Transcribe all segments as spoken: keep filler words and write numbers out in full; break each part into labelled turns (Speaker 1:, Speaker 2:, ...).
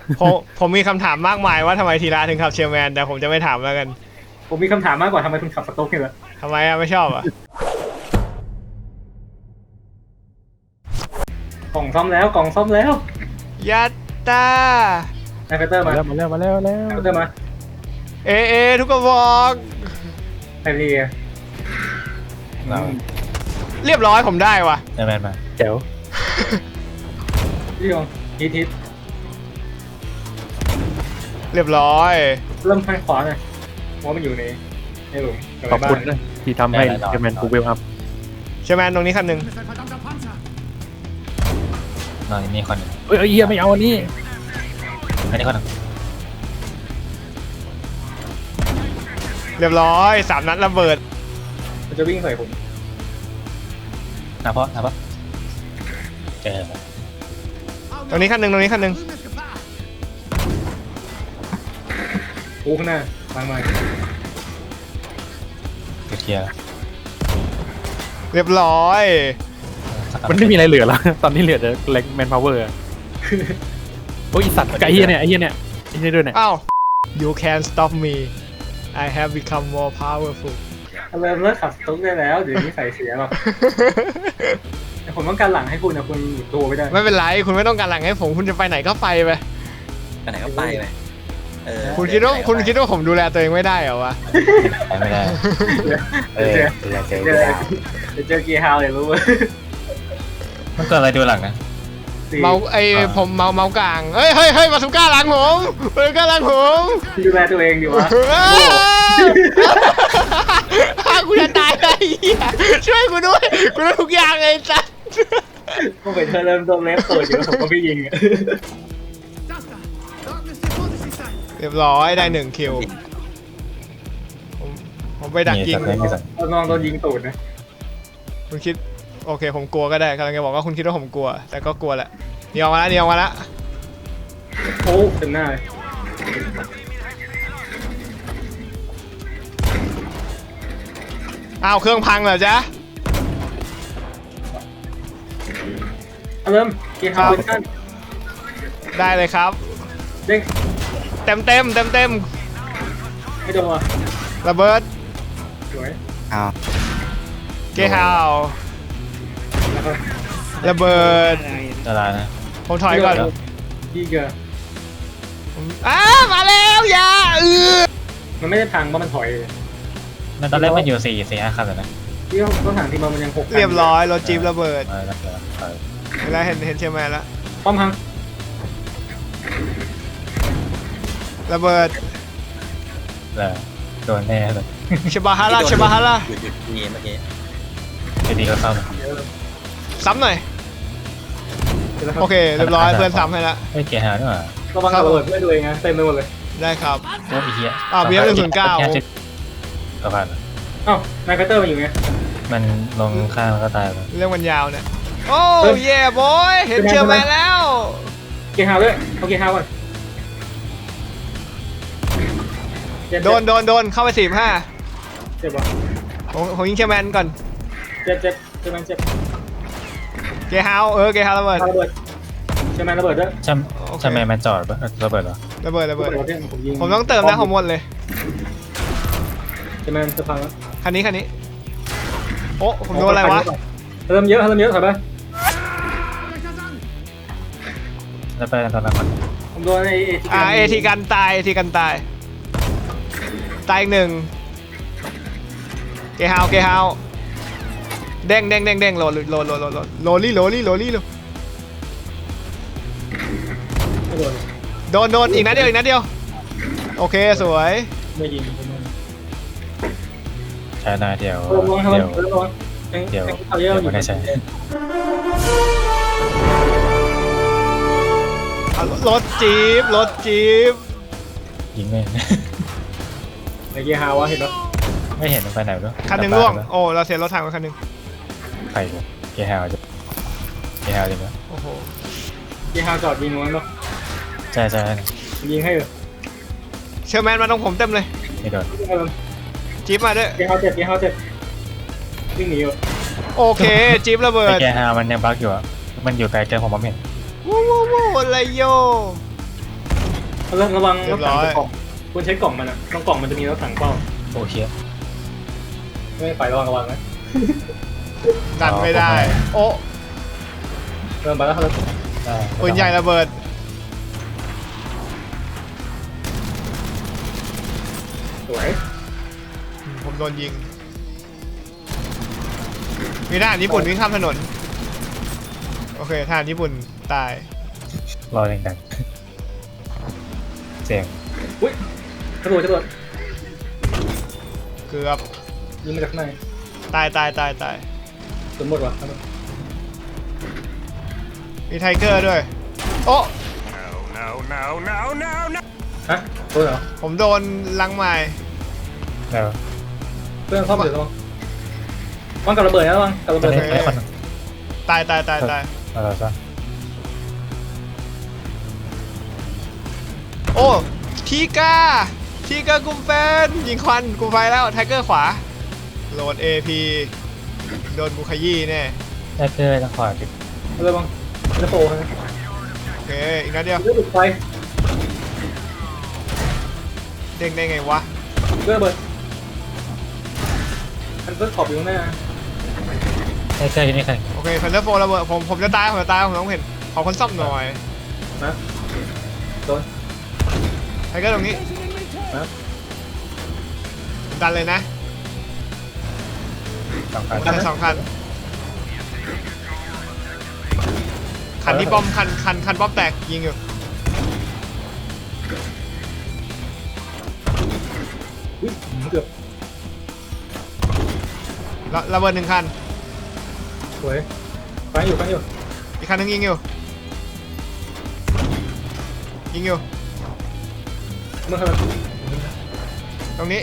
Speaker 1: ผมผมมีคำถามมากมายว่าทำไมทีละถึงขับเชลแมนแต่ผมจะไม่ถามแล้วกัน
Speaker 2: ผมมีคำถามมากกว่าทำไมคุณขับสโต๊กเนี่ยล่ะ
Speaker 1: ทำไมอะไม่ชอบอะ
Speaker 2: กล่องซ่อมแล้วกล่องซ่อมแล้ว
Speaker 1: ยัตตา
Speaker 2: นายเฟเตอร์มา
Speaker 3: มาแล้วมาแล้วมาแล้ว
Speaker 2: นายเฟเตอร์มา
Speaker 1: เอเอทุกกระบอก
Speaker 2: ไอรี
Speaker 4: เรา
Speaker 1: เรียบร้อยผมได้ว่ะ
Speaker 4: เดินแมนมา
Speaker 3: เจ๋ว
Speaker 2: พี่ยงทีทิศ
Speaker 1: เรียบร้อย
Speaker 2: เริ่มทางขวาหน่อยเพราะมันอยู่ในในหลุม
Speaker 3: ขอบคุณนะที่ทำให้เจแมนกูเวลอัพ
Speaker 1: เชลแมนตรงนี้คันหนึ่ง
Speaker 4: นอนนี่คนหนึ่ง
Speaker 3: เอ้ยเฮียไม่เอาอันนี้
Speaker 4: อันนี้คนหนึ่ง
Speaker 1: เรียบร้อยสามนัดระเบิด
Speaker 2: มันจะวิ่งใส่ผม
Speaker 4: นะเพราะนะเพราะเจอแล้ว
Speaker 1: ตรงนี้คันหนึ่งตรงนี้คันหนึ่ง
Speaker 2: กูข้างหน้าทางมา
Speaker 4: เคลียร์
Speaker 1: เรียบร้อย
Speaker 3: มันไม่มีอะไรเหลือแล้ว ตอนนี้เหลือแต่แรงแมนพาวเวอร์โอ้ยสัตว์ไอ้เฮียเนี่ยไอ้เฮียเนี่ยไอ้เฮียด้วยเนี่ย
Speaker 1: อ้าว you can stop me I have become more powerful
Speaker 2: เริ่มเลิกขับสโต๊กได้แล้วเดี๋ยวนี้ใส่เสียหรอกแต่ผมต้องการหลังให้คุณนะคุณหยุดตัวไม่ได้
Speaker 1: ไม่เป็นไรคุณไม่ต้องการหลังให้ผมคุณจะไปไหนก็ไปไป
Speaker 5: ไปไหนก็ไปไปเออ
Speaker 1: คุณคิดว่าคุณคิดว่าผมดูแลตัวเองไม่ได้เหรอวะ
Speaker 4: ไปไม่ได้เออ
Speaker 2: เจอ
Speaker 4: เจอเจอ
Speaker 2: เจอเจอเกียร์ฮาวเลยรู้ไหม
Speaker 4: มันเกิดอะไรดูหลังนะ
Speaker 1: เมาไอผมเมาเมากลางเฮ้ยเฮ้ยเฮ้ยมาสุก้าหลังผมมาสุก้าหลังผม
Speaker 2: ดูแลตัวเองดีวะ
Speaker 1: กูจะตายไอ้เหี้ยช่วยกูด้วยกูรู้ทุกอย่างไอ้สัส
Speaker 2: ก็เป็นเธอเริ่มต้นเล็บตัวอยู่ผมก็ไม่ยิง
Speaker 1: เรียบร้อยได้หนึ่งคิวผมผมไปดักยิง
Speaker 4: มีสัตว์มีสัตว์
Speaker 2: ตอนน้องโดนยิงตูดนะ
Speaker 1: คุณคิดโอเคผมกลัวก็ได้กำลังจะบอกว่าคุณคิดว่าผมกลัว แต่ก็กลัวแหละเดียวมาแล้วเดียวมาแล้ว
Speaker 2: โอ้เต็มหน้าเลย
Speaker 1: อ้าวเครื่องพังเหรอจ๊ะ
Speaker 2: เริ่มเกียร์ฮาวเวอร์ชัน
Speaker 1: ได้เลยครับ
Speaker 2: เด้ง
Speaker 1: เต็มเต็มเต็มเต็ม
Speaker 2: ไม่โดนว่ะ
Speaker 1: ระเบิด
Speaker 2: สวย
Speaker 1: เกฮาว
Speaker 2: แล้วก็
Speaker 1: ระเบิด
Speaker 4: ละลายนะ
Speaker 1: ผมถอยก่อน
Speaker 2: ยี่เกอร์
Speaker 1: อ้ามาแล้วอย่าเออ
Speaker 2: มันไม่ได้พังเพราะมันถอย
Speaker 4: มันตอนแรกมันอยู่สี่สี่ห้าคันเลยนะ
Speaker 2: ที่ต้องถามที่มันยังหก
Speaker 1: เรียบร้อยรถจี๊ประเบิด
Speaker 4: เออแล้วเออเออ
Speaker 1: เวลาเห็นเห็นเชียร์แมนแล้ว
Speaker 2: ป้อมพัง
Speaker 1: ระเบิด
Speaker 4: แล้วโดนแน่เลย
Speaker 1: ชบาฮาร่าชบาฮาร่า
Speaker 5: หยุดหยุดนี่เมื่อกี้
Speaker 4: ไอ้ดีก็เข้า
Speaker 1: ซ้ำหน่อยโอเคเรียบร้อยเพื่อนซ้ำให้แล้ว
Speaker 4: ไอ้เกียร์หาด้วย
Speaker 2: ระวังระเบิดเพื่อนตัวเองนะเต็มไปหมดเลย
Speaker 1: ได้ครับ
Speaker 4: โอ้ยเฮีย
Speaker 1: อ้าวเบียร์หนึ่งศูนย์เก้า
Speaker 4: สะพาน
Speaker 2: อ้าวนายแพตเตอร์มันอยู่ไง
Speaker 4: มันลงข้างแล้วก็ตายไป
Speaker 1: เรื่องมันยาวเนี่ยโอ้เย่บอยเห็นเชียร์แมนแล้ว
Speaker 2: เกียร์ฮาวด้วยเอาเกียร์ฮาวก่อนเจ็บ
Speaker 1: โดนโดนโดนเข้าไปสี่ห้า
Speaker 2: เจ็บว่ะ
Speaker 1: ผมผมยิงเชียร์แมนก่อน
Speaker 2: เจ็บเจ็บเจ็บมันเจ็บ
Speaker 1: เกฮาวเออเกฮาวระเบิด
Speaker 2: ระเบิดใช่ไหมระเบิดด้วย
Speaker 4: ใช่ใช่ไหมมันจอดปะระเบิดเหรอ
Speaker 1: ระเบิดระ
Speaker 2: ระ
Speaker 1: เบิ
Speaker 2: เบิ
Speaker 1: ด
Speaker 2: ดเนี่ยผมยิง
Speaker 1: ผมต้องเติมนะผมหมดเลย
Speaker 2: ใช่ไหมจะพังแล้ว
Speaker 1: คันนี้คันนี้โอ้ผมโดนอะไรวะ
Speaker 2: เริ่มเยอะเริ่มเยอะถอยไป
Speaker 4: แล้วไปกันตอนนั้นก่อน
Speaker 2: ผมโดนไอ้เอที
Speaker 1: อ่าเอทีกันตายเอทีกันตายตายอีกหนึ่งเกฮาวเกฮาวเด้งเด้งเด้งเด้งโหลดโหลดโหลดโหลดโหลดโหลดลี่โหลดลี่โหลดลี่โหลด
Speaker 2: ไม่โดน
Speaker 1: โดนโดนอีกนัดเดียวอีกนัดเดียวโอเคสวย
Speaker 2: ไม่ยิง
Speaker 4: ใช้นาเดียว
Speaker 2: ระวังระวัง
Speaker 4: เดียว
Speaker 2: ระวัง
Speaker 4: เดี๋ยว
Speaker 2: เขาเยอะอยู่
Speaker 4: ไม่ได้ใช้
Speaker 1: อ่ะรถจี๊ปรถจี๊ป
Speaker 4: ยิงไม่
Speaker 2: ไอ้เกียร์ฮาวะเห็นปะ
Speaker 4: ไม่เห็นมันไปไหนด้วย
Speaker 1: คันหนึ่งร่วงโอ้เราเสียรถถังไปคันหนึ่ง
Speaker 4: ใครกูเกียร์ฮาวจะเกียร์ฮาวจริงปะ
Speaker 1: โอ้โห
Speaker 2: เกียร์ฮาวจอดยิงนู้นปะ
Speaker 4: ใช่ใช่
Speaker 2: ยิงให้เลย
Speaker 1: เชอร์แมนมาตรงผมเต็มเลย
Speaker 4: ไม่โดน
Speaker 1: จี๊ปมาด้วย
Speaker 2: เกียร์ฮาวเจ็บเกียร์ฮาวเจ็บวิ่งหนีอยู่
Speaker 1: โอเคจี๊ประเบิ
Speaker 4: ไอ้
Speaker 1: ด
Speaker 4: เกียร์ฮาวมันยังบั๊กอยู่อ่ะมันอยู่ไกลเกินผมมองไม่เห็น
Speaker 1: วู้วู้วู้อะไรโย
Speaker 2: เริ่มระวัง
Speaker 1: เรี
Speaker 2: ร
Speaker 1: ย
Speaker 2: ถ
Speaker 1: บร้
Speaker 2: ถัง
Speaker 1: อย
Speaker 2: จะกล่องคุณเช็คกล่องมันอ่ะตรงกล่องมันจะมีรถถังเป้า
Speaker 4: โอเค
Speaker 2: ไม่ไประวังระวังนะ
Speaker 1: ดันไม่ได้ โอ้
Speaker 2: เริ่มไปแล้วครับ
Speaker 4: ได้
Speaker 1: ปืนใหญ่ระเบิด
Speaker 2: สวย
Speaker 1: ผมโดนยิง มีทหารญี่ปุ่นวิ่งข้ามถนน โอเคทหารญี่ปุ่นตาย
Speaker 4: รอแรงๆเสียง
Speaker 2: อุ้ยกระโดดกระโดด
Speaker 1: เกือบ
Speaker 2: ยิงมาจากข้างใน
Speaker 1: ตายตายตายตาย
Speaker 2: สมหมดว่ะครับ
Speaker 1: มีไทเกอร์ด้วย โอ้
Speaker 2: ฮะโดนเหรอ
Speaker 1: ผมโดนลังไม้
Speaker 4: แล้ว
Speaker 2: เพื่อนซ่อมเดี๋ยวระวังวางกับระเบิดนะระวังกับระ
Speaker 4: ตอ
Speaker 2: เบิ
Speaker 4: น
Speaker 2: ด
Speaker 4: นี้ไอ้คนหนึ่ง
Speaker 1: ตายตายตายตาย
Speaker 4: มาแล้วซะ
Speaker 1: โอ้ทีก้าทีก้ากุมแฟนยิงควันกุมไฟแล้วไทเกอร์ขวา โหลด เอ พี โดนบุขยี้แน่
Speaker 4: ได้เกอร์ต้องขวาติด
Speaker 2: ระวังจะโผล่นะ
Speaker 1: โอเค อีกนัดเดียว
Speaker 2: เลือดติดไฟ
Speaker 1: เด้งได้ไงวะ
Speaker 2: เลือดระเบิดมันเลือดขอบอยู่ข้างหน้า
Speaker 4: ได้เกอร์อยู่นี่ใคร
Speaker 1: โอเคพันเดอร์โฟระเบิดผมผมจะตายผมจะตายผมต้องเห็น ขอคนซ่อมหน่อย
Speaker 2: นะโดน
Speaker 1: ไทเกอร์ตรงนี้
Speaker 2: นะ
Speaker 1: ดันเลยนะ
Speaker 4: สองคัน
Speaker 1: คันสองคัน คันที่ป้อมคันคันคันป้อมแตกยิงอยู่
Speaker 2: อุ้ยเกือบ
Speaker 1: ระระเบิดหนึ่งคัน
Speaker 2: สวยฟังอยู่ฟังอยู่
Speaker 1: อีกคันหนึงยิงอยู่ ยิงอยู่
Speaker 2: เมื่อไหร่
Speaker 1: ตรงนี้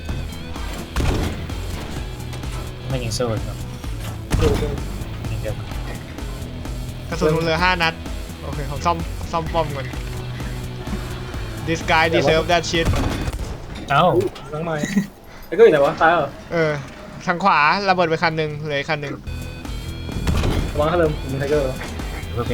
Speaker 4: ไม่ยิงสู้ครับ
Speaker 2: ดูดู
Speaker 4: ยิงเดียว
Speaker 1: กระสุนผมเหลือห้านัด โอเคผมซ่อมซ่อมป้อมก่อน This guy deserve that shit
Speaker 4: เอ้า
Speaker 2: ล้างไม้ไอ้ก็อยู่ไหนวะตายเหรอ
Speaker 1: เออ ทางขวาระเบิดไปคันหนึ่งเหลืออีกคันหนึ่ง
Speaker 2: ระวังถ้าเริ่มมีไทเกอร์
Speaker 4: เพื่อเป็น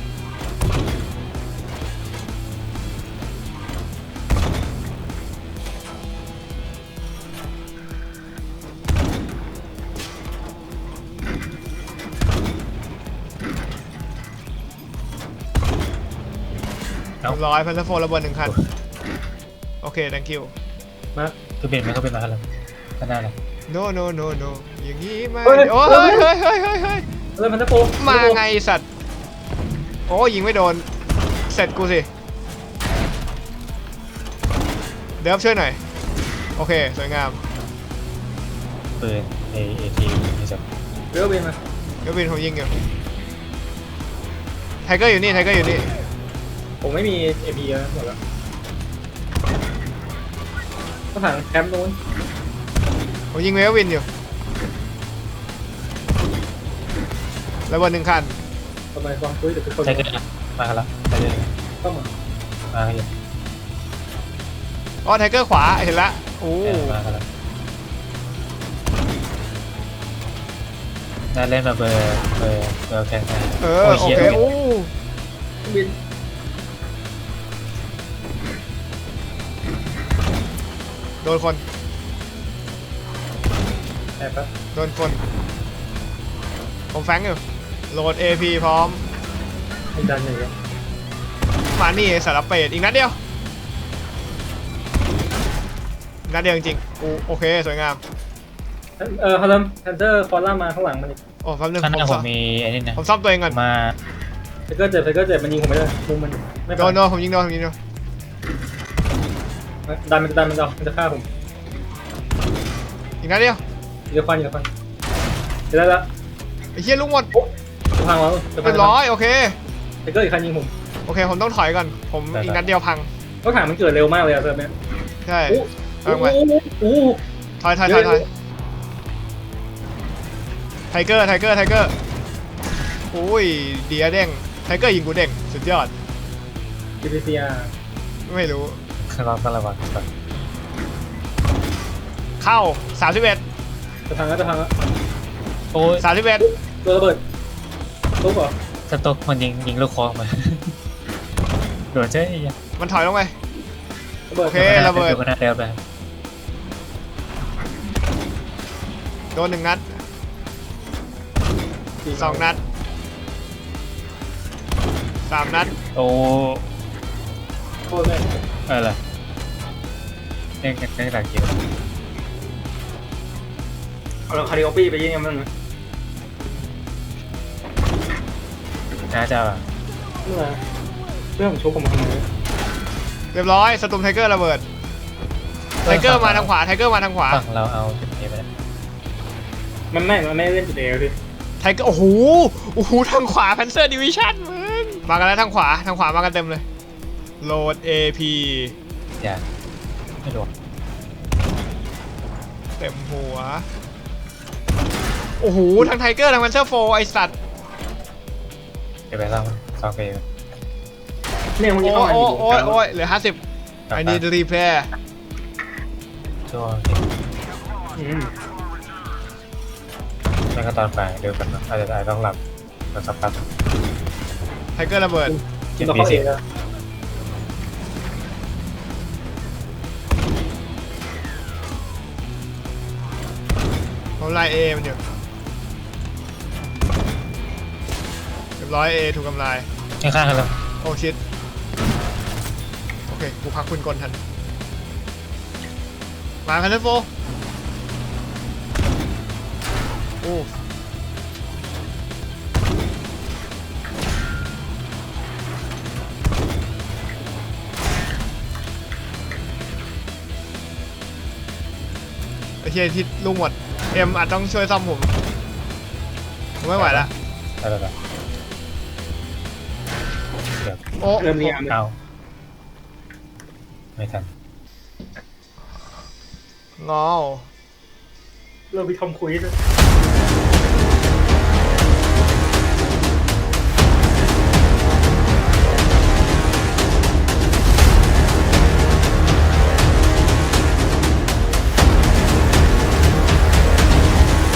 Speaker 1: เรียบร้อยพันธโฟระเบิดหนึ่งคัน โอเค thank you
Speaker 2: มา
Speaker 4: เพื่อเป็นไหมเขาเป็นมาแล้วก็ได้เลย
Speaker 1: no no no no อย่างนี้ไม่โอ้ยเฮ้ยเฮ้ยเฮ้ยเฮ้ยเฮ้ย
Speaker 2: เริ่มพันธโป
Speaker 1: มาไงสัตว์ โอ้ยิงไม่โดน เสร็จกูสิ เดิฟช่วยหน่อย โอเค สวยงาม
Speaker 4: ปืนเอเอทีนี่จะ
Speaker 2: เริ่มเป็นมา
Speaker 1: เดี๋ยวบินผมยิงอยู่ไทเกอร์อยู่นี่ไทเกอร์อยู่นี่
Speaker 2: ผมไม่มีเอพีแล้วหมดแล้วก็ถังแคมป์นู้น
Speaker 1: ผมยิงเวลวินอยู่ระเบิดหนึ่งคัน
Speaker 2: ทำไมความคุยแต่ทุกคน
Speaker 4: ใช่ก็ได้มาแล้วใช่เลย
Speaker 2: เข้ามา
Speaker 1: อ
Speaker 4: มาแล้ว
Speaker 1: ๋อไทเกอร์ขวาเห็นละโอ้
Speaker 4: มาแล้วได้เล่นมาเบอร์เบอร์เบอร์แข่งกัน
Speaker 1: เออโอเคโอ้
Speaker 2: บิน
Speaker 1: โดนคน
Speaker 2: แอบปะ
Speaker 1: โดนคน ผมแฟงอยู่ โหลด เอ พี พร้อม
Speaker 2: ให้ดันหนึ่งแล้ว
Speaker 1: มานี่สารเป็ดอีกนัดเดียวอีกนัดเดียวจริงๆกูโอเค สวยงาม
Speaker 2: เออฮาร์เลมแพนเตอร์ฟอลล่ามาข้างหลังมันอีก
Speaker 1: โอ้แป๊บนึง
Speaker 4: ข้างห
Speaker 1: ผม
Speaker 4: น้าผ
Speaker 1: ซ่อ
Speaker 4: ม
Speaker 1: ม
Speaker 4: มีไอ้นี่นะ
Speaker 1: ผมซ่อมตัวเองก่อน
Speaker 4: มา
Speaker 2: ไทเกอร์เจ็บไทเกอร์เจ็บมันยิงผมไม่ได้มุมมันไม่
Speaker 1: โดนโดนผมยิงโดนผมยิงโดน
Speaker 2: ดันมันจะดันมันจะมันจะฆ่าผม
Speaker 1: อีกนัดเดียว
Speaker 2: เดี๋ยวควันเดี๋ยวควันเดี๋ยวได้ละ
Speaker 1: ไอ้เหี้ยลูกหมด
Speaker 2: จะพังแล้วจะพั
Speaker 1: เรียบร้อยโอเค
Speaker 2: ไทเกอร์อีกคันยิงผม
Speaker 1: โอเค ผมต้องถอยก่อน ผมอีกนัดเดียวพัง
Speaker 2: ก็ถังมันเกิดเร็วมากเลยอะเซิร์ฟเนี้ย
Speaker 1: ใช่
Speaker 2: โอ้
Speaker 1: เอาไป
Speaker 2: โอ้
Speaker 1: ถอยถอยถอยถอยไทเกอร์ไทเกอร์ไทเกอร์โอ้ยเดียเด้งไทเกอร์ยิงกูเด้งสุดยอด
Speaker 2: จีพีซีอาร์
Speaker 1: ไม่รู้
Speaker 4: เราต้องระวังก่อน
Speaker 1: เข้าสามสิบเอ็ด
Speaker 2: จะพังแล้วจะพังแล้ว
Speaker 4: โอ้ย
Speaker 1: สามสิบเอ็ด
Speaker 2: ตัวระเบิดตุ๊กเหรอ
Speaker 4: สต๊อกมันยิงยิงลูกคอมาโดนเจ๊ย
Speaker 1: มันถอยลงไป
Speaker 2: ระเบิด
Speaker 1: โอเค ระเบิด
Speaker 4: ดูกันหน้าเร็วไป
Speaker 1: โดนหนึ่งนัดสองนัดสามนัด
Speaker 4: โอ้
Speaker 2: โคตรเลย
Speaker 4: อะไรเล่นกันแค่หลักเกียร์
Speaker 2: เอาเราคาริโอปี้ไปยิงมันนะ
Speaker 4: น่าจะแบบ
Speaker 2: เมื่อเรื่องของชุบผมมาทำไม
Speaker 1: เรียบร้อยสตูมไทเกอร์ระเบิดไทเกอร์มาทางขวาไทเกอร์มาทางขวา
Speaker 4: ฝั่งเราเอาจุดนี้ไปแล้ว
Speaker 2: มันไม่มันไม่เล่นจุดเอลดิ
Speaker 1: ไทเกอร์โอ้โหโอ้โหทางขวาแพนเซอร์ดิวิชั่นมึงมากันแล้วทางขวาทางขวามากันเต็มเลยโหลด เอ พี
Speaker 4: อย่าไม่โดน
Speaker 1: เต็มหัวโอ้โหทางไทเกอร์ทางแพนเซอร์โฟไอสัตว์
Speaker 4: เดี๋ยวไปเล่าซองไป
Speaker 2: เนี่ยเมื่อ
Speaker 1: โอ้
Speaker 2: กี้ต้องอ่าน
Speaker 1: โอ้
Speaker 2: อยู่
Speaker 1: โอ้โอ้ยเหลือห้าสิบ I need repair
Speaker 4: ช่วง
Speaker 2: อืม
Speaker 4: ไม่ก็ตอนไปเร็วกันนะอาจจะได้ต้องหลับมาสักพัก
Speaker 1: ไทเกอร์ระเบิด
Speaker 2: กินตัวเข้าเองแล้ว
Speaker 1: เขาไล่เอมันอยู่เรียบร้อยเอถูกกำลาย
Speaker 4: ข้างๆกันแล้ว
Speaker 1: โอ้ชิตโอเค กูพักคุณกลทัน มาคันเทนโฟโอ้ไอ้เชี่ยที่ลูกหมด เอ็มอาจต้องช่วยซ่อมผม ผมไม่ไหวละ
Speaker 4: ได้แล้ว เดี๋ยว
Speaker 1: โอ้
Speaker 2: เริ่มเรียน
Speaker 4: เอาไม่ทัน
Speaker 1: งอ
Speaker 2: เริ่มไปทำคุยเลย